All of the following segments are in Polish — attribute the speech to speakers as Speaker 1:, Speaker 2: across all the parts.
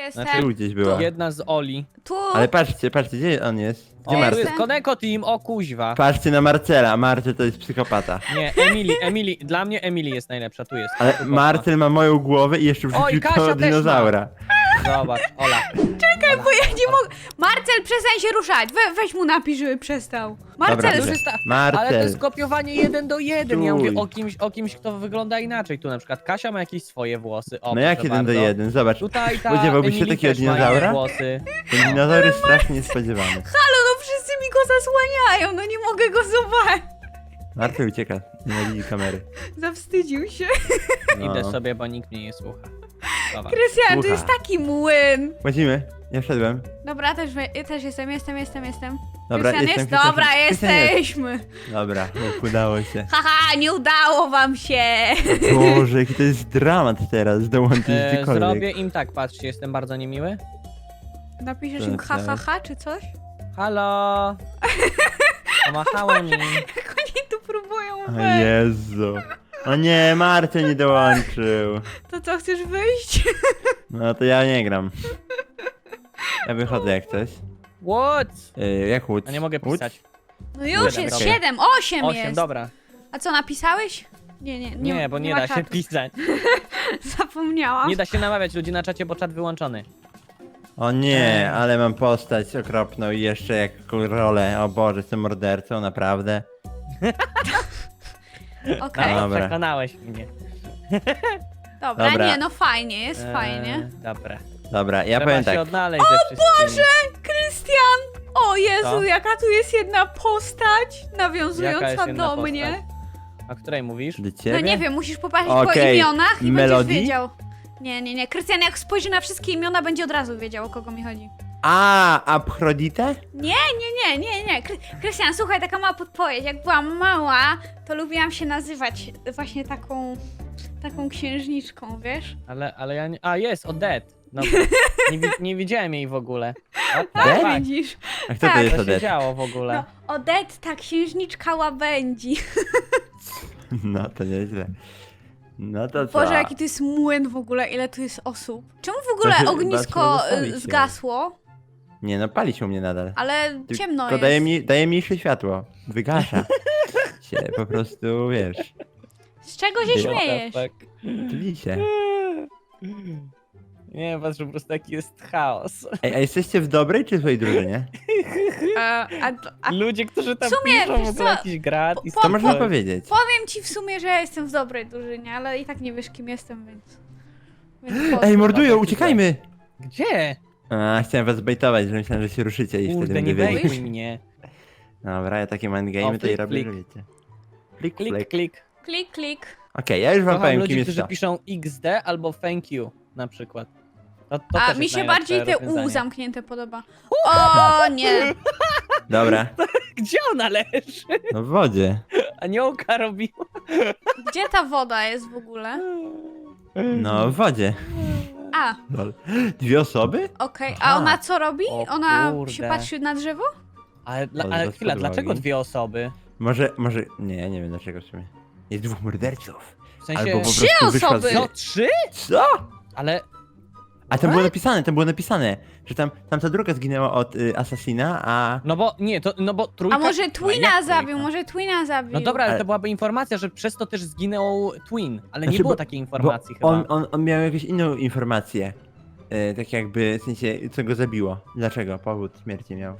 Speaker 1: jestem.
Speaker 2: Tu gdzieś była.
Speaker 3: Jedna z Oli.
Speaker 1: Tu.
Speaker 2: Ale patrzcie, gdzie on jest? Gdzie
Speaker 3: O, tu
Speaker 2: Marcel?
Speaker 3: jest Koneko Team, o kuźwa.
Speaker 2: Patrzcie na Marcela, Marcel to jest psychopata.
Speaker 3: Nie, Emily, dla mnie Emily jest najlepsza, tu jest.
Speaker 2: Ale Marcel ma moją głowę i jeszcze wrzucił
Speaker 3: Kasia
Speaker 2: tego
Speaker 3: też ma.
Speaker 2: dinozaura.
Speaker 3: Zobacz, Ola.
Speaker 1: Czekaj, bo ja nie mogę. Marcel, przestań się ruszać. Weź mu napisz, żeby przestał. Marcel,
Speaker 2: Dobra,
Speaker 3: Ale to
Speaker 2: Marcel.
Speaker 3: jest kopiowanie 1 do 1. Ja
Speaker 2: Stój.
Speaker 3: mówię o kimś, kto wygląda inaczej. Tu na przykład Kasia ma jakieś swoje włosy. O,
Speaker 2: No jak
Speaker 3: proszę
Speaker 2: 1 do
Speaker 3: bardzo.
Speaker 2: 1, zobacz.
Speaker 3: Tutaj ta
Speaker 2: Spodziewałbyś się
Speaker 3: Emily
Speaker 2: takiego
Speaker 3: też ma
Speaker 2: dinozaura?
Speaker 3: włosy.
Speaker 2: Ten dinozaur jest strasznie niespodziewany.
Speaker 1: halo, no wszyscy mi go zasłaniają, no nie mogę go zobaczyć.
Speaker 2: Marcel ucieka, nienawidzi kamery.
Speaker 1: Zawstydził się.
Speaker 2: No.
Speaker 3: Idę sobie, bo nikt mnie nie słucha. Dobra.
Speaker 1: Krystian, to
Speaker 2: Słucha.
Speaker 1: jest taki młyn.
Speaker 2: Łazimy, ja wszedłem.
Speaker 1: Dobra, też jestem.
Speaker 2: Dobra,
Speaker 1: Krystian
Speaker 2: jestem,
Speaker 1: jest? Dobra,
Speaker 2: Krystian jest.
Speaker 1: jesteśmy.
Speaker 2: Dobra, udało się.
Speaker 1: Haha, nie udało wam się.
Speaker 2: Boże, jaki to jest dramat teraz, dołączyć gdziekolwiek.
Speaker 3: Zrobię im tak, patrzcie, jestem bardzo niemiły.
Speaker 1: Napiszesz im ha, ha, ha, czy coś?
Speaker 3: Halo! Pomachałem im.
Speaker 1: Jak oni tu próbują
Speaker 2: O
Speaker 1: wejść.
Speaker 2: Jezu. O nie, Marcel nie dołączył.
Speaker 1: To co, chcesz wyjść?
Speaker 2: No to ja nie gram. Ja wychodzę jak coś.
Speaker 3: What?
Speaker 2: Jak łódź?
Speaker 3: A nie mogę
Speaker 2: Łódź?
Speaker 3: pisać.
Speaker 1: No już
Speaker 3: Siedem,
Speaker 1: jest
Speaker 3: okej.
Speaker 1: 7, 8
Speaker 3: 8,
Speaker 1: jest.
Speaker 3: dobra.
Speaker 1: A co, napisałeś? Nie,
Speaker 3: bo nie
Speaker 1: ma
Speaker 3: da się
Speaker 1: czatu.
Speaker 3: pisać.
Speaker 1: Zapomniałam.
Speaker 3: Nie da się namawiać ludzi na czacie, bo czat wyłączony.
Speaker 2: O nie, ale mam postać okropną i jeszcze jak rolę. O Boże, jestem mordercą, naprawdę.
Speaker 1: Okej,
Speaker 2: A. Dobra.
Speaker 3: Przekonałeś mnie.
Speaker 1: dobra,
Speaker 2: Dobra.
Speaker 1: nie, no fajnie, jest fajnie.
Speaker 3: Dobra.
Speaker 2: Dobra, ja
Speaker 3: Trzeba
Speaker 2: powiem
Speaker 3: się
Speaker 2: tak.
Speaker 3: odnaleźć ze wszystkimi.
Speaker 1: Krystian! O Jezu,
Speaker 3: Co?
Speaker 1: jaka tu jest jedna postać
Speaker 3: Jaka
Speaker 1: nawiązująca
Speaker 3: jest jedna
Speaker 1: do
Speaker 3: postać?
Speaker 1: mnie.
Speaker 3: O której mówisz?
Speaker 2: Do ciebie?
Speaker 1: No nie wiem, musisz popatrzeć po
Speaker 2: Okej,
Speaker 1: imionach i
Speaker 2: Melody?
Speaker 1: będziesz wiedział. Nie. Krystian jak spojrzy na wszystkie imiona, będzie od razu wiedział, o kogo mi chodzi.
Speaker 2: A, Abhrodite?
Speaker 1: Nie. Krystian, słuchaj, taka mała podpowiedź. Jak byłam mała, to lubiłam się nazywać właśnie taką księżniczką, wiesz?
Speaker 3: Ale ja nie... A, jest, Odette. No, nie widziałem jej w ogóle. O,
Speaker 2: Odette?
Speaker 3: tak,
Speaker 1: Widzisz?
Speaker 2: A kto to
Speaker 1: Tak.
Speaker 2: jest
Speaker 3: co się
Speaker 2: Odette?
Speaker 3: działo w ogóle?
Speaker 1: No, Odette, księżniczka łabędzi.
Speaker 2: No to nieźle. No to co?
Speaker 1: Boże, jaki to jest młyn w ogóle, ile tu jest osób. Czemu w ogóle
Speaker 2: chyba
Speaker 1: ognisko
Speaker 2: trzeba zostawić się.
Speaker 1: zgasło?
Speaker 2: Nie no, pali się u mnie nadal.
Speaker 1: Ale ciemno
Speaker 2: Tylko
Speaker 1: jest.
Speaker 2: daje mniejsze światło. Wygasza się, po prostu, wiesz.
Speaker 1: Z czego się
Speaker 2: What
Speaker 1: śmiejesz?
Speaker 3: Tak.
Speaker 2: Tli się.
Speaker 3: Nie, patrz, po prostu taki jest chaos.
Speaker 2: Ej, a jesteście w dobrej czy złej drużynie?
Speaker 1: A
Speaker 3: Ludzie, którzy tam
Speaker 1: w sumie,
Speaker 3: piszą
Speaker 1: wiesz
Speaker 3: w ogóle
Speaker 1: co,
Speaker 3: jakiś gratis.
Speaker 2: To można powiedzieć.
Speaker 1: powiem ci w sumie, że ja jestem w dobrej drużynie, ale i tak nie wiesz kim jestem, więc
Speaker 2: Ej,
Speaker 1: pozdro.
Speaker 2: mordują, uciekajmy!
Speaker 3: Gdzie?
Speaker 2: A, chciałem was zbejtować, że myślałem, że się ruszycie i
Speaker 3: Kurde,
Speaker 2: wtedy
Speaker 3: nie
Speaker 2: będę wiedzieć.
Speaker 3: wejmuj mnie.
Speaker 2: Dobra, ja takie
Speaker 3: O,
Speaker 2: mindgame to i
Speaker 3: flik,
Speaker 2: robię,
Speaker 3: flik.
Speaker 2: że wiecie. Flik,
Speaker 3: Klik,
Speaker 2: flik.
Speaker 3: klik.
Speaker 1: Klik, klik.
Speaker 2: Okej, ja już wam
Speaker 3: Kocham
Speaker 2: powiem, kim
Speaker 3: ludzi,
Speaker 2: jest
Speaker 3: którzy
Speaker 2: to.
Speaker 3: piszą XD albo thank you na przykład. To
Speaker 1: A
Speaker 3: też
Speaker 1: mi
Speaker 3: jest
Speaker 1: się
Speaker 3: najlepsze
Speaker 1: bardziej te U
Speaker 3: rozwiązanie.
Speaker 1: zamknięte podoba. O nie!
Speaker 2: Dobra,
Speaker 3: Gdzie ona leży?
Speaker 2: no w wodzie.
Speaker 3: Aniołka robiła.
Speaker 1: Gdzie ta woda jest w ogóle?
Speaker 2: No w wodzie.
Speaker 1: A,
Speaker 2: Lol. 2 osoby?
Speaker 1: okej. A
Speaker 2: Aha.
Speaker 1: ona co robi?
Speaker 3: O
Speaker 1: Ona
Speaker 3: kurde.
Speaker 1: się patrzy na drzewo?
Speaker 3: Ale,
Speaker 2: Od
Speaker 3: ale chwila,
Speaker 2: podłogi.
Speaker 3: dlaczego 2 osoby?
Speaker 2: Może, nie, ja nie wiem dlaczego w sumie. Jest 2 morderców.
Speaker 3: W sensie...
Speaker 2: Albo po
Speaker 1: 3
Speaker 2: prostu wyszła
Speaker 1: osoby!
Speaker 2: z...
Speaker 3: Co, 3?
Speaker 2: Co?
Speaker 3: Ale...
Speaker 2: A tam było napisane, że tam ta druga zginęła od Assassina, a...
Speaker 3: No bo, nie, to, no bo trójka...
Speaker 1: A może
Speaker 3: No
Speaker 1: Twina
Speaker 3: jak
Speaker 1: zabił,
Speaker 3: trójka?
Speaker 1: może Twina zabił.
Speaker 3: No dobra, ale
Speaker 2: Ale-
Speaker 3: to byłaby informacja, że przez to też zginął Twin, ale nie
Speaker 2: Znaczy,
Speaker 3: było
Speaker 2: bo-
Speaker 3: takiej
Speaker 2: Bo
Speaker 3: informacji chyba.
Speaker 2: on miał jakąś inną informację. Tak jakby, w sensie, co go zabiło. Dlaczego? Powód śmierci miał.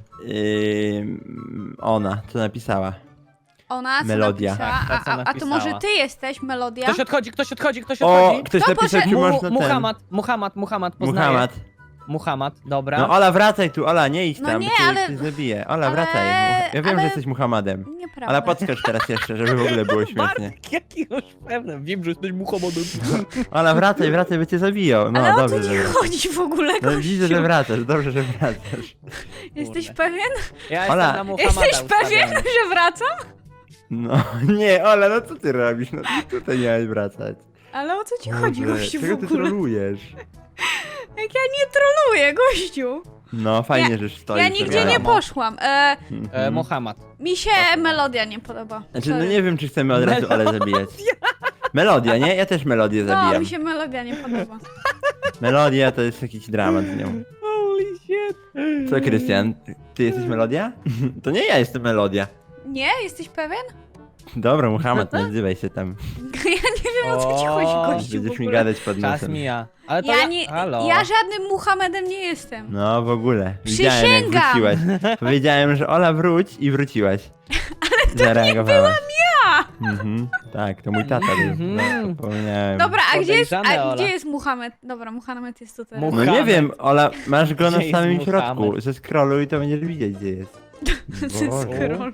Speaker 2: Ona, co napisała.
Speaker 1: Ona co
Speaker 2: Melodia.
Speaker 1: napisała?
Speaker 3: Tak, ta, co
Speaker 1: A to
Speaker 3: napisała.
Speaker 1: może ty jesteś Melodia?
Speaker 3: Ktoś odchodzi, ktoś odchodzi, ktoś
Speaker 2: O,
Speaker 3: odchodzi.
Speaker 2: ktoś
Speaker 1: To
Speaker 2: napisał,
Speaker 1: poszedł-
Speaker 2: czy można
Speaker 3: Muhammad, poznaję.
Speaker 2: Muhammad.
Speaker 3: Muhammad, dobra.
Speaker 2: No Ola, wracaj tu, Ola, nie idź
Speaker 1: No
Speaker 2: tam,
Speaker 1: nie,
Speaker 2: bo cię
Speaker 1: ale-
Speaker 2: ktoś zabije. Ola,
Speaker 1: ale-
Speaker 2: wracaj. Ja wiem,
Speaker 1: ale-
Speaker 2: że jesteś Muhammadem.
Speaker 1: Nieprawda.
Speaker 2: Ale podskocz teraz jeszcze, żeby w ogóle było śmiesznie.
Speaker 3: Bartek, jaki już pewny. Wiem, że jesteś Muhammadem.
Speaker 2: Ola, wracaj, by cię zabiją. No,
Speaker 1: Ale o
Speaker 2: dobrze,
Speaker 1: co
Speaker 2: że
Speaker 1: ci
Speaker 2: wracasz.
Speaker 1: chodzi w ogóle,
Speaker 2: No
Speaker 1: gościu?
Speaker 2: widzę, że wracasz, dobrze, że wracasz.
Speaker 1: Jesteś
Speaker 3: Kurde.
Speaker 1: pewien?
Speaker 3: Ja
Speaker 2: Ola,
Speaker 3: jestem na Muhammada
Speaker 1: Jesteś pewien,
Speaker 3: ustawiony.
Speaker 1: że wracam?
Speaker 2: No, nie, Ola, no co ty robisz? No ty tutaj miałeś wracać.
Speaker 1: Ale o co ci chodzi,
Speaker 2: Boże,
Speaker 1: gościu, w
Speaker 2: czego ty
Speaker 1: ogóle?
Speaker 2: trolujesz?
Speaker 1: Jak ja nie troluję, gościu.
Speaker 2: No, fajnie, że stoisz.
Speaker 1: Ja nigdzie
Speaker 2: wiadomo.
Speaker 1: nie poszłam.
Speaker 3: Muhammad.
Speaker 1: Mi się melodia nie podoba.
Speaker 2: Znaczy, no
Speaker 1: Sorry.
Speaker 2: nie wiem, czy chcemy od razu Olę zabijać. Melodia, nie? Ja też melodię
Speaker 1: No,
Speaker 2: zabijam.
Speaker 1: mi się melodia nie podoba.
Speaker 2: Melodia to jest jakiś dramat z nią.
Speaker 3: Holy shit.
Speaker 2: Co, Krystian? Ty jesteś Melodia? To nie ja jestem Melodia.
Speaker 1: Nie? Jesteś pewien?
Speaker 2: Dobra, Muhammad, nie odzywaj się tam.
Speaker 1: Ja nie wiem, o co ci chodzi,
Speaker 3: O,
Speaker 1: gościu. w
Speaker 2: Będziesz mi
Speaker 1: ogóle.
Speaker 2: gadać pod
Speaker 3: Czas
Speaker 2: nosem.
Speaker 3: mija. Ale to Halo.
Speaker 1: Ja żadnym Muhammedem nie jestem.
Speaker 2: No, w ogóle. Widziałem, jak
Speaker 1: Przysięgam.
Speaker 2: wróciłaś. Powiedziałem, że Ola wróć i wróciłaś. Ale to Zareagowałaś.
Speaker 1: nie byłam ja!
Speaker 2: Tak, to mój tata był.
Speaker 3: Mhm.
Speaker 2: No, zapomniałem.
Speaker 1: Dobra, a
Speaker 3: Podejrzane, Ola.
Speaker 1: gdzie jest Muhammed? Dobra, Muhammed jest tutaj.
Speaker 3: Mu-
Speaker 2: No nie
Speaker 3: Muhammad.
Speaker 2: wiem, Ola, masz go na
Speaker 3: Gdzie jest
Speaker 2: samym
Speaker 3: Muhammad?
Speaker 2: środku. Ze scrollu i to będziesz widzieć, gdzie jest.
Speaker 1: Skroluj.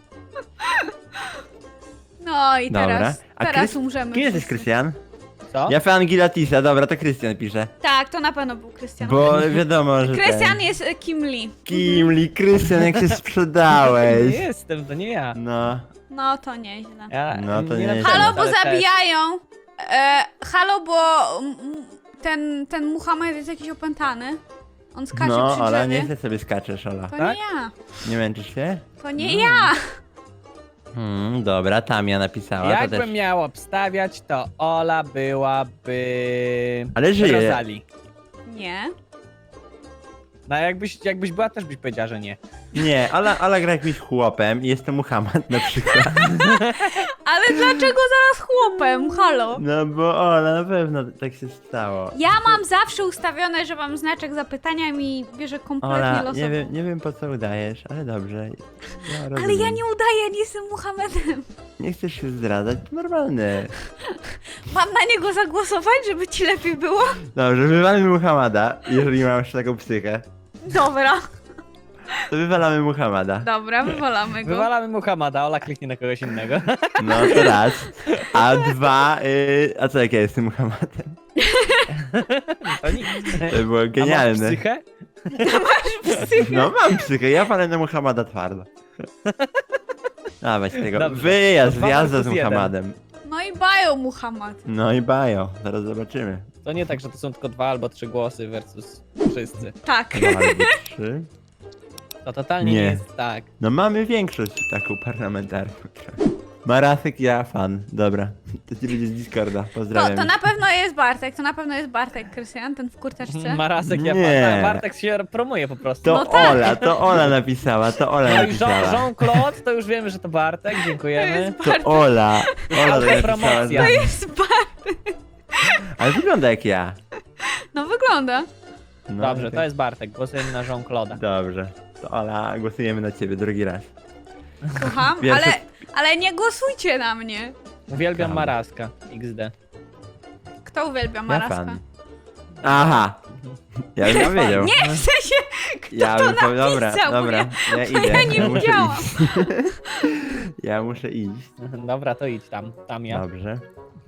Speaker 1: No i
Speaker 2: Dobra.
Speaker 1: teraz,
Speaker 2: A
Speaker 1: teraz
Speaker 2: Krys-
Speaker 1: umrzemy.
Speaker 2: Kim jesteś,
Speaker 1: wszyscy.
Speaker 2: Krystian?
Speaker 3: Co?
Speaker 2: Ja fan Gilatisa, dobra, to Krystian pisze.
Speaker 1: Tak, to na pewno był Krystian.
Speaker 2: Bo wiadomo, że
Speaker 1: Krystian
Speaker 2: ten...
Speaker 1: jest Kim Lee.
Speaker 2: Kimli, Krystian, jak się
Speaker 3: Nie
Speaker 2: sprzedałeś.
Speaker 3: jestem, to nie ja.
Speaker 2: No,
Speaker 1: No to nieźle.
Speaker 3: Ja
Speaker 2: No to nie
Speaker 3: napisałem,
Speaker 2: jest.
Speaker 1: Halo, bo
Speaker 3: ale też.
Speaker 1: zabijają. Halo, bo ten Muhammed jest jakiś opętany. On skacze
Speaker 2: no,
Speaker 1: przy
Speaker 2: Ola,
Speaker 1: drzewie.
Speaker 2: nie sobie skaczesz, Ola.
Speaker 1: To
Speaker 3: Tak?
Speaker 1: nie ja.
Speaker 2: Nie męczysz się?
Speaker 1: To nie ja.
Speaker 2: Dobra, Tamia napisała, to
Speaker 3: Jakbym
Speaker 2: też.
Speaker 3: miał obstawiać, to Ola byłaby...
Speaker 2: Ale żyje.
Speaker 3: Rosalie.
Speaker 1: Nie.
Speaker 3: No jakbyś była, też byś powiedziała, że nie.
Speaker 2: Nie, Ola gra jakimś chłopem i jest to Muhammad na przykład.
Speaker 1: Ale dlaczego zaraz chłopem? Halo.
Speaker 2: No bo Ola, na pewno tak się stało.
Speaker 1: Ja mam zawsze ustawione, że mam znaczek zapytania i mi bierze kompletnie
Speaker 2: Ola,
Speaker 1: losowo.
Speaker 2: nie wiem po co udajesz, ale dobrze. Ja
Speaker 1: Ale
Speaker 2: rozumiem.
Speaker 1: ja nie udaję, ja nie jestem Muhammedem.
Speaker 2: Nie chcesz się zdradzać, to normalne.
Speaker 1: Mam na niego zagłosować, żeby ci lepiej było?
Speaker 2: Dobrze, wywalmy Muhammada, jeżeli masz taką psychę.
Speaker 1: Dobra.
Speaker 2: To wywalamy Muhammada.
Speaker 1: Dobra, wywalamy go.
Speaker 3: Wywalamy Muhammada, Ola kliknie na kogoś innego.
Speaker 2: No to raz. A dwa, a co jak ja jestem Muhammadem?
Speaker 3: To nic.
Speaker 2: To było
Speaker 3: A masz
Speaker 2: genialne.
Speaker 3: psychę?
Speaker 2: No mam psychę, ja palę na Muhammada twardo. Dawać tego.
Speaker 3: Dobrze.
Speaker 2: Wyjazd,
Speaker 3: To
Speaker 2: wjazda z
Speaker 3: 2 × 1.
Speaker 2: Muhammadem.
Speaker 1: No i bajo Muhammad.
Speaker 2: No i bajo, zaraz zobaczymy.
Speaker 3: To nie tak, że to są tylko 2 albo 3 głosy versus wszyscy.
Speaker 1: Tak.
Speaker 2: 2 albo 3.
Speaker 3: To totalnie nie
Speaker 2: Nie.
Speaker 3: jest tak.
Speaker 2: No mamy większość taką parlamentarną. Marasek, ja fan. Dobra, to ci będzie z Discorda. Pozdrawiam.
Speaker 1: To na pewno jest Bartek, to na pewno jest Bartek, Krystian, ten w kurteczce.
Speaker 3: Marasek,
Speaker 2: Nie.
Speaker 3: Bartek się promuje po prostu.
Speaker 2: To
Speaker 1: No tak.
Speaker 2: to Ola napisała, to Ola
Speaker 3: No i
Speaker 2: napisała.
Speaker 3: Jean-Claude, to już wiemy, że to Bartek,
Speaker 1: To
Speaker 3: dziękujemy.
Speaker 1: jest
Speaker 2: To
Speaker 1: Bartek.
Speaker 2: Ola. Ola to napisała.
Speaker 3: Promocja.
Speaker 1: To jest Bartek.
Speaker 2: Ale wygląda jak ja.
Speaker 1: No wygląda.
Speaker 2: No,
Speaker 3: Dobrze,
Speaker 2: okej.
Speaker 3: to jest Bartek, głosujemy na Jean-Claude'a.
Speaker 2: Dobrze. To Ola, głosujemy na ciebie drugi raz.
Speaker 1: Słucham,
Speaker 2: Pierwszy-
Speaker 1: ale nie głosujcie na mnie.
Speaker 3: Uwielbiam
Speaker 2: Brawo.
Speaker 3: Maraska, XD.
Speaker 1: Kto uwielbia
Speaker 2: Ja
Speaker 1: Maraska?
Speaker 2: fan. Aha. Ja bym powiedział.
Speaker 1: Nie, w sensie, kto
Speaker 2: Ja
Speaker 1: to
Speaker 2: bym powiedział. Dobra,
Speaker 1: napisał, bo
Speaker 2: dobra. Ja
Speaker 1: bo
Speaker 2: idę.
Speaker 1: ja nie
Speaker 2: muszę
Speaker 1: widziałam.
Speaker 2: iść. Ja muszę iść.
Speaker 3: Dobra, to idź tam ja.
Speaker 2: Dobrze.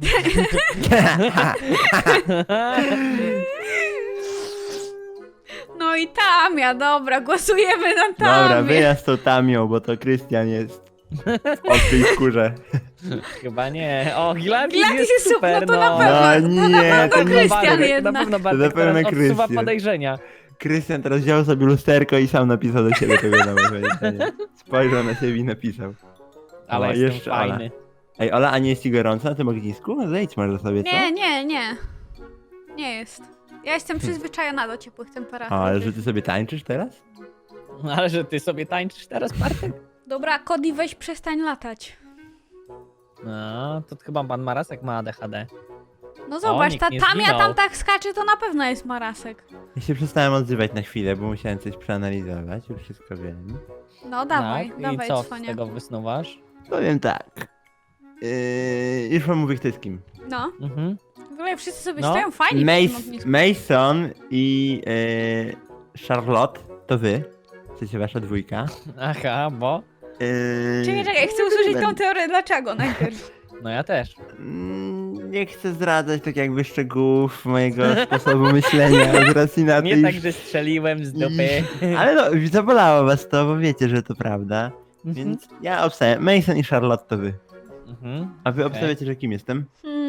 Speaker 1: No i Tamia, dobra, głosujemy na Tamię.
Speaker 2: Dobra, wyjazd tą Tamią, bo to Krystian jest w tej skórze.
Speaker 3: Chyba nie. O, Gilatis
Speaker 1: Gilatis
Speaker 3: jest
Speaker 1: jest
Speaker 3: super,
Speaker 1: no to na
Speaker 3: no.
Speaker 1: pewno.
Speaker 2: No nie, to nie
Speaker 1: Krystian
Speaker 3: Bartek,
Speaker 1: jednak.
Speaker 3: Na pewno Bartek
Speaker 2: na pewno
Speaker 3: teraz odsuwa
Speaker 2: Krystian.
Speaker 3: podejrzenia.
Speaker 2: Krystian teraz wziął sobie lusterko i sam napisał do siebie tego wiadomość. Spojrzał na siebie i napisał.
Speaker 3: Ale
Speaker 2: O,
Speaker 3: jestem
Speaker 2: jeszcze Ola.
Speaker 3: fajny.
Speaker 2: Ej, Ola, a nie jest ci gorąco na tym ognisku? No zejdź może sobie, co?
Speaker 1: Nie. Nie jest. Ja jestem przyzwyczajona do ciepłych temperatur.
Speaker 2: O, ale że ty sobie tańczysz teraz?
Speaker 3: Ale że ty sobie tańczysz teraz, Bartek?
Speaker 1: Dobra, Cody, weź przestań latać.
Speaker 3: No, to chyba pan Marasek ma ADHD.
Speaker 1: No zobacz,
Speaker 3: nikt
Speaker 1: ta
Speaker 3: nie
Speaker 1: Tamia
Speaker 3: zginął.
Speaker 1: tam tak skacze, to na pewno jest Marasek.
Speaker 2: Ja się przestałem odzywać na chwilę, bo musiałem coś przeanalizować, już wszystko wiem.
Speaker 1: No dawaj,
Speaker 3: Tak?
Speaker 1: dawaj,
Speaker 3: I co z
Speaker 1: cwania.
Speaker 3: tego wysnuwasz?
Speaker 2: Powiem tak. Już wam mówię, kto jest kim.
Speaker 1: No,
Speaker 3: Mhm.
Speaker 1: w ogóle wszyscy sobie
Speaker 3: No.
Speaker 1: stoją fajnie przy tym ognisku.
Speaker 2: Mason i Charlotte, to wy. Chcecie wasza dwójka.
Speaker 3: Aha, bo...
Speaker 1: Czekaj, chcę usłyszeć tą teorię, dlaczego najpierw.
Speaker 3: No ja też.
Speaker 2: Nie chcę zdradzać tak jakby szczegółów mojego sposobu myślenia z racji na
Speaker 3: Nie
Speaker 2: tej...
Speaker 3: tak, że strzeliłem z dupy.
Speaker 2: Ale no, zabolało was to, bo wiecie, że to prawda. Więc ja obstawiam. Mason i Charlotte to wy.
Speaker 3: Mhm.
Speaker 2: A wy obstawiacie, że kim jestem?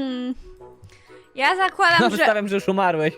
Speaker 1: Ja zakładam,
Speaker 3: No,
Speaker 1: że
Speaker 3: wystawiam, że już umarłeś.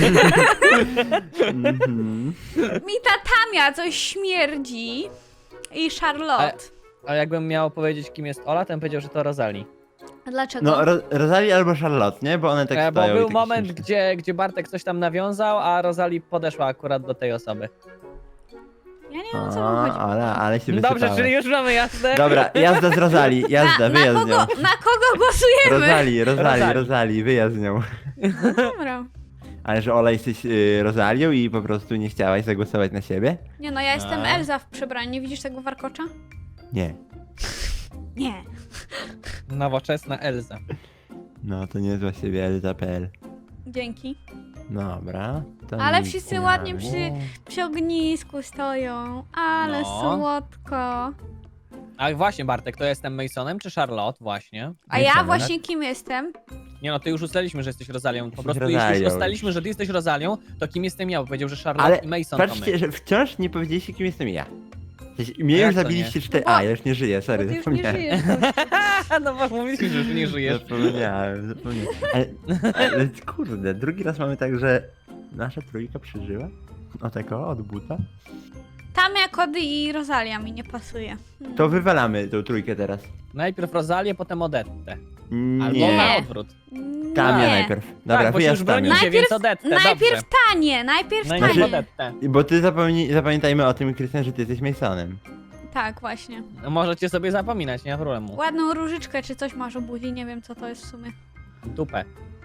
Speaker 2: Mhm.
Speaker 1: mi ta Tamia coś śmierdzi i Charlotte.
Speaker 3: A jakbym miał powiedzieć, kim jest Ola, to bym powiedział, że to Rosalie.
Speaker 1: A dlaczego?
Speaker 2: No, Rosalie albo Charlotte, nie? Bo one tak
Speaker 3: Bo
Speaker 2: stoją i
Speaker 3: był
Speaker 2: takie
Speaker 3: moment,
Speaker 2: śmieszne.
Speaker 3: gdzie Bartek coś tam nawiązał, a Rosalie podeszła akurat do tej osoby.
Speaker 1: Ja nie wiem, o co wam chodzi.
Speaker 2: Ale się
Speaker 3: Dobrze,
Speaker 2: wysypałeś.
Speaker 3: czyli już mamy jasne.
Speaker 2: Dobra, jazda z Rosalie, jazda, wyjazd z nią.
Speaker 1: Na kogo głosujemy?
Speaker 2: Rosalie,
Speaker 3: Rosalie.
Speaker 2: wyjazd z nią.
Speaker 1: Dobra.
Speaker 2: Ale że Ola jesteś Rosalią i po prostu nie chciałaś zagłosować na siebie?
Speaker 1: Nie no, ja jestem
Speaker 3: A.
Speaker 1: Elza w przebraniu. Nie widzisz tego warkocza?
Speaker 2: Nie.
Speaker 1: Nie.
Speaker 3: Nowoczesna Elza.
Speaker 2: No, to nie zła siebie Elza.pl.
Speaker 1: Dzięki.
Speaker 2: Dobra. To
Speaker 1: Ale
Speaker 2: nic
Speaker 1: wszyscy
Speaker 2: nie
Speaker 1: ładnie
Speaker 2: mamy.
Speaker 1: przy ognisku stoją. Ale
Speaker 3: No.
Speaker 1: słodko.
Speaker 3: A właśnie, Bartek, to jestem Masonem czy Charlotte? Właśnie.
Speaker 1: A
Speaker 2: Nie
Speaker 1: ja
Speaker 2: same,
Speaker 1: właśnie kim jestem?
Speaker 3: Nie no, ty już ustaliliśmy, że jesteś Rozalią. Po
Speaker 2: Jesteś
Speaker 3: prostu jeśli
Speaker 2: Rozalią
Speaker 3: już
Speaker 2: już.
Speaker 3: ustaliliśmy, że ty jesteś Rozalią, to kim jestem ja? Bo powiedział, że Charlotte
Speaker 2: Ale
Speaker 3: i Mason to
Speaker 2: patrzcie,
Speaker 3: my.
Speaker 2: że wciąż nie powiedzieliście, kim jestem ja. W sensie, mnie
Speaker 3: Jak
Speaker 2: już
Speaker 3: to
Speaker 2: zabiliście
Speaker 3: nie?
Speaker 2: 4...
Speaker 1: Bo-
Speaker 2: A, ja już nie żyję,
Speaker 1: Bo
Speaker 2: sorry,
Speaker 1: ty już nie
Speaker 2: zapomniałem.
Speaker 1: żyjesz.
Speaker 3: No bo mówiliśmy, że już nie żyjesz.
Speaker 2: Zapomniałem. Ale kurde, drugi raz mamy tak, że nasza trójka przeżyła? O tako, od buta?
Speaker 1: Tamia, Kody i Rosalia mi nie pasuje.
Speaker 2: To wywalamy tą trójkę teraz.
Speaker 3: Najpierw Rozalię, potem Odettę. Albo
Speaker 2: Nie,
Speaker 3: na odwrót.
Speaker 2: Tamia
Speaker 1: Nie.
Speaker 2: najpierw. Dobra,
Speaker 3: tak, bo się już
Speaker 2: wyjazd Tamia.
Speaker 3: bronicie,
Speaker 1: Najpierw-
Speaker 3: więc Odettę,
Speaker 1: Najpierw
Speaker 3: dobrze.
Speaker 1: tanie, najpierw
Speaker 3: Najpierw
Speaker 1: tanie.
Speaker 3: Odettę.
Speaker 2: Bo ty zapamiętajmy o tym, Krystian, że ty jesteś Masonem.
Speaker 1: Tak, właśnie.
Speaker 3: No, możecie sobie zapominać, nie ma problemu.
Speaker 1: Ładną różyczkę czy coś masz o buzi, nie wiem co to jest w sumie.
Speaker 3: Dupę.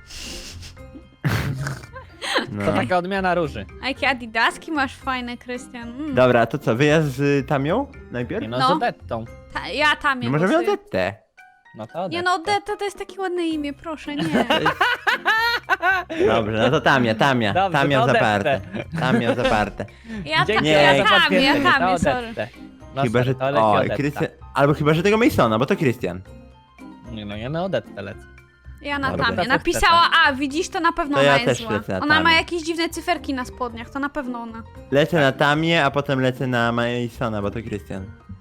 Speaker 2: No.
Speaker 3: To taka odmiana róży.
Speaker 1: A jakie adidaski masz fajne, Krystian.
Speaker 2: Dobra, to co, wyjazd z Tamią najpierw?
Speaker 3: Nie no,
Speaker 1: No.
Speaker 3: z Odettą.
Speaker 1: Ja Tamię
Speaker 2: No możemy
Speaker 1: głosuję.
Speaker 2: Odettę.
Speaker 3: No to
Speaker 1: Nie no, Odetta to jest takie ładne imię, proszę, nie.
Speaker 2: Dobrze, no to Tamia.
Speaker 3: Dobrze,
Speaker 2: Tamia
Speaker 3: to
Speaker 2: zaparte.
Speaker 3: Odettę.
Speaker 2: Tamia zaparte.
Speaker 3: Dzięki
Speaker 2: Nie,
Speaker 1: ja
Speaker 3: za
Speaker 1: Tamię,
Speaker 3: potwierdzenie,
Speaker 1: ja
Speaker 3: to
Speaker 1: Tamię, sorry.
Speaker 3: Odettę. No
Speaker 2: Chyba,
Speaker 3: sorry,
Speaker 2: że...
Speaker 3: to leci
Speaker 2: O,
Speaker 3: Odetta.
Speaker 2: Krystian... Albo chyba, że tego Masona, bo to Krystian.
Speaker 3: Nie no, ja na Odettę lecę.
Speaker 1: Ja na
Speaker 2: Dobra.
Speaker 1: Tamię. Napisała A, widzisz, to na pewno
Speaker 2: To
Speaker 1: ona
Speaker 2: ja
Speaker 1: jest
Speaker 2: też
Speaker 1: zła.
Speaker 2: lecę na
Speaker 1: Ona ma
Speaker 2: Tamię.
Speaker 1: jakieś dziwne cyferki na spodniach, to na pewno ona.
Speaker 2: Lecę na Tamię, a potem lecę na Masona, bo to Krystian.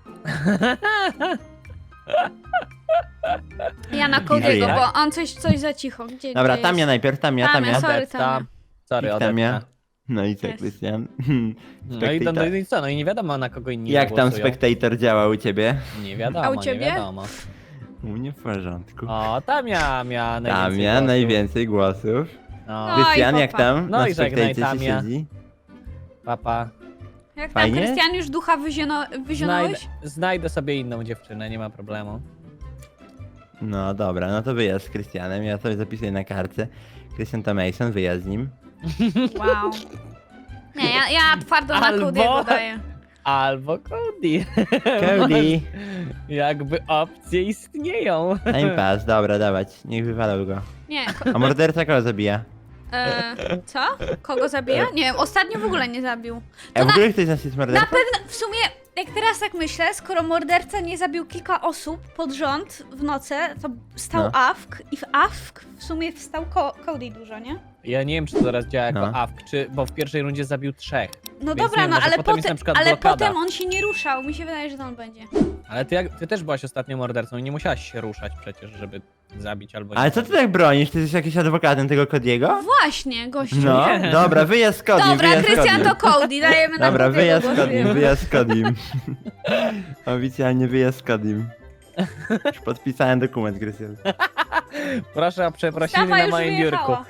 Speaker 1: Ja na Cody'ego,
Speaker 2: jak?
Speaker 1: bo on coś za cicho. Gdzie
Speaker 2: Dobra,
Speaker 1: gdzie
Speaker 2: Tamia
Speaker 1: jest?
Speaker 2: najpierw, Tamia.
Speaker 1: Sorry,
Speaker 3: Odetta.
Speaker 1: Tamia.
Speaker 3: Sorry,
Speaker 2: Tamia.
Speaker 3: Odetta.
Speaker 2: No i co,
Speaker 1: Jest.
Speaker 2: Krystian?
Speaker 3: No i, i co, no i nie wiadomo na kogo inni
Speaker 2: Jak tam
Speaker 3: głosują.
Speaker 2: Spectator działa u ciebie?
Speaker 3: Nie wiadomo,
Speaker 1: A u ciebie?
Speaker 3: nie wiadomo.
Speaker 2: U mnie w porządku.
Speaker 3: O, Tamia miała najwięcej
Speaker 2: Tamia,
Speaker 3: głosów.
Speaker 2: najwięcej głosów.
Speaker 3: No,
Speaker 1: Oj,
Speaker 2: Krystian, jak
Speaker 1: popa.
Speaker 2: tam?
Speaker 3: No
Speaker 2: Na
Speaker 3: i żegnaj,
Speaker 2: Spectacie się
Speaker 3: Tamia.
Speaker 2: siedzi?
Speaker 3: papa.
Speaker 1: Jak tam,
Speaker 2: Fajnie?
Speaker 1: Krystian, już ducha wyzionąłeś?
Speaker 3: Znajdę sobie inną dziewczynę, nie ma problemu.
Speaker 2: No dobra, no to wyjazd z Krystianem, ja sobie zapisuję na kartce. Krystian to Mason, wyjazd z nim.
Speaker 1: Wow. Nie, ja twardo na
Speaker 3: Albo-
Speaker 1: Cody'ego daję.
Speaker 3: Albo Cody.
Speaker 2: Cody!
Speaker 3: Jakby opcje istnieją.
Speaker 2: Time pass, dobra, dawać, niech wywalał go.
Speaker 1: Nie,
Speaker 2: A morderca kogo zabija?
Speaker 1: co? Kogo zabija? Nie wiem, ostatnio w ogóle nie zabił.
Speaker 2: A w ogóle ktoś z nas jest
Speaker 1: Na
Speaker 2: mordercą?
Speaker 1: pewno, w sumie, jak teraz tak myślę, skoro morderca nie zabił kilka osób pod rząd w nocy, to stał
Speaker 2: No.
Speaker 1: Awk i w Awk w sumie wstał Cody dużo, nie?
Speaker 3: Ja nie wiem, czy to teraz działa jako
Speaker 2: No.
Speaker 3: AFK, bo w pierwszej rundzie zabił 3.
Speaker 1: No
Speaker 3: Więc
Speaker 1: dobra,
Speaker 3: nie,
Speaker 1: no
Speaker 3: może
Speaker 1: ale
Speaker 3: potem jest na przykład
Speaker 1: ale
Speaker 3: blokada.
Speaker 1: potem on się nie ruszał, mi się wydaje, że to on będzie.
Speaker 3: Ale ty też byłaś ostatnio mordercą i nie musiałaś się ruszać przecież, żeby zabić albo nie.
Speaker 2: Ale co ty tak bronisz? Ty jesteś jakiś adwokatem tego Kodiego?
Speaker 1: Właśnie, gościu.
Speaker 2: No,
Speaker 3: Nie.
Speaker 2: dobra, wyjazd z Kodim,
Speaker 1: Dobra,
Speaker 2: wyjazd z
Speaker 1: Krystian
Speaker 2: Kodim.
Speaker 1: to Cody, dajemy na
Speaker 2: Dobra,
Speaker 1: Cody'ego
Speaker 2: wyjazd z Kodim,
Speaker 1: głosujemy.
Speaker 2: wyjazd z Kodim. Oficjalnie wyjazd z Kodim. Już podpisałem dokument, Krystian.
Speaker 3: Proszę o przeprosiny
Speaker 1: Stawa
Speaker 3: na
Speaker 1: już
Speaker 3: moim biurku.
Speaker 1: wyjechała.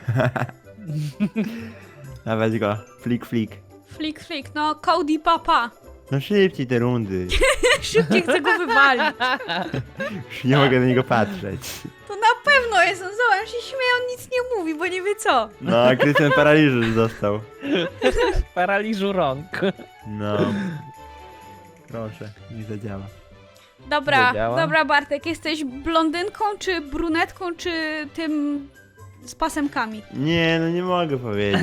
Speaker 2: Dawać go, flik, flik.
Speaker 1: Flik, no Cody papa.
Speaker 2: No szybciej te rundy.
Speaker 1: Szybciej chcę go wywalić.
Speaker 2: Już nie mogę na niego patrzeć.
Speaker 1: To na pewno jest on, zobacz, on się śmieje, on nic nie mówi, bo nie wie co.
Speaker 2: No, Krystian paraliżu już został.
Speaker 3: Paraliżu rąk.
Speaker 2: No. Proszę, niech zadziała.
Speaker 1: Dobra,
Speaker 3: Wiedziałam.
Speaker 1: dobra Bartek, jesteś blondynką, czy brunetką, czy tym z pasemkami?
Speaker 2: Nie, no nie mogę powiedzieć.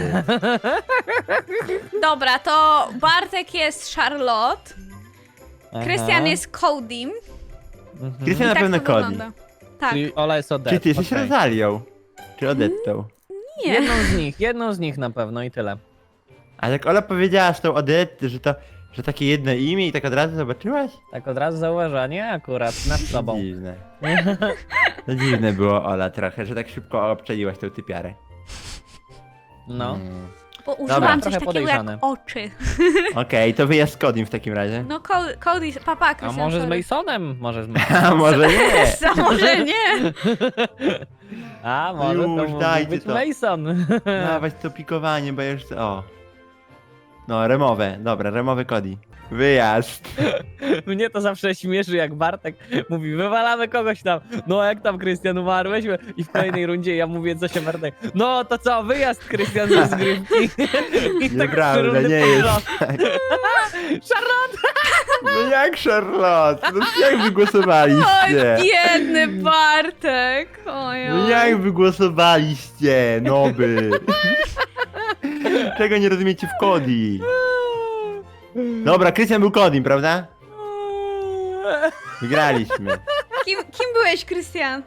Speaker 1: Dobra, to Bartek jest Charlotte, Krystian jest Codym.
Speaker 3: Mhm.
Speaker 2: Krystian na
Speaker 1: Tak
Speaker 2: pewno
Speaker 1: to
Speaker 2: Cody.
Speaker 1: wygląda. Tak.
Speaker 3: Czyli Ola jest Odetta.
Speaker 2: Czy ty jesteś
Speaker 3: okej.
Speaker 2: Rozalią? Czy Odettą?
Speaker 1: Nie.
Speaker 3: Jedną z nich na pewno i tyle.
Speaker 2: A jak Ola powiedziała z tą Odetty, że takie jedno imię i tak od razu zobaczyłaś?
Speaker 3: Tak od razu zauważanie akurat nad sobą.
Speaker 2: Dziwne. To dziwne było, Ola, trochę, że tak szybko obczaiłaś tą typiarę.
Speaker 3: No.
Speaker 1: Bo użyłam coś
Speaker 3: trochę
Speaker 1: takiego
Speaker 3: podejrzane.
Speaker 1: jak oczy.
Speaker 2: Okej, to wyjazd z Codim w takim razie.
Speaker 1: No Cody, papa,
Speaker 3: A
Speaker 1: Krystian,
Speaker 3: może z
Speaker 1: sorry.
Speaker 3: Masonem? Może z
Speaker 2: A
Speaker 3: Masonem.
Speaker 2: może nie?
Speaker 1: Może nie.
Speaker 3: A może to
Speaker 2: Już,
Speaker 3: mógł
Speaker 2: dajcie
Speaker 3: być
Speaker 2: to.
Speaker 3: Mason.
Speaker 2: Dawać to pikowanie, bo ja już... O. No, remowe. Dobra, remowy Cody. Wyjazd.
Speaker 3: Mnie to zawsze śmieszy, jak Bartek mówi, wywalamy kogoś tam. No jak tam, Krystian, umarłeś? I w kolejnej rundzie ja mówię coś o Bartek. No to co, wyjazd, Krystian, ze zgrywki. I tak
Speaker 2: Nieprawda,
Speaker 3: rundy
Speaker 2: nie
Speaker 3: pod
Speaker 2: jest
Speaker 3: rząd.
Speaker 2: tak.
Speaker 3: Charlotte!
Speaker 2: No jak Charlotte? No jak
Speaker 1: Oj,
Speaker 2: wygłosowaliście?
Speaker 1: biedny Bartek. Oj,
Speaker 2: No jak wygłosowaliście, noby? Czego nie rozumiecie w Cody? Dobra, Krystian był Codim, prawda? Wygraliśmy.
Speaker 1: Kim byłeś, Krystian?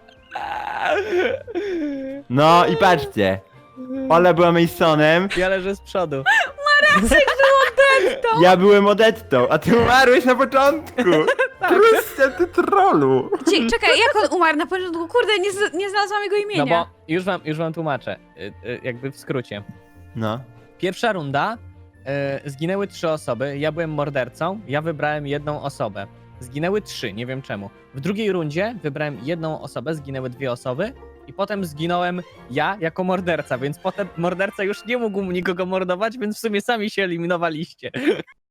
Speaker 2: No i patrzcie. Ola była Masonem,
Speaker 3: Ja leżę z przodu.
Speaker 1: To?
Speaker 2: ja byłem Odettą, a ty umarłeś na początku. Krystian, ty trollu.
Speaker 1: Czekaj, jak on umarł na początku? Kurde, nie znalazłam jego
Speaker 3: No
Speaker 1: imienia.
Speaker 3: bo już wam tłumaczę, jakby w skrócie.
Speaker 2: No.
Speaker 3: Pierwsza runda, zginęły 3 osoby, ja byłem mordercą, ja wybrałem jedną osobę. Zginęły 3, nie wiem czemu. W drugiej rundzie wybrałem jedną osobę, zginęły 2 osoby i potem zginąłem ja jako morderca, więc potem morderca już nie mógł nikogo mordować, więc w sumie sami się eliminowaliście.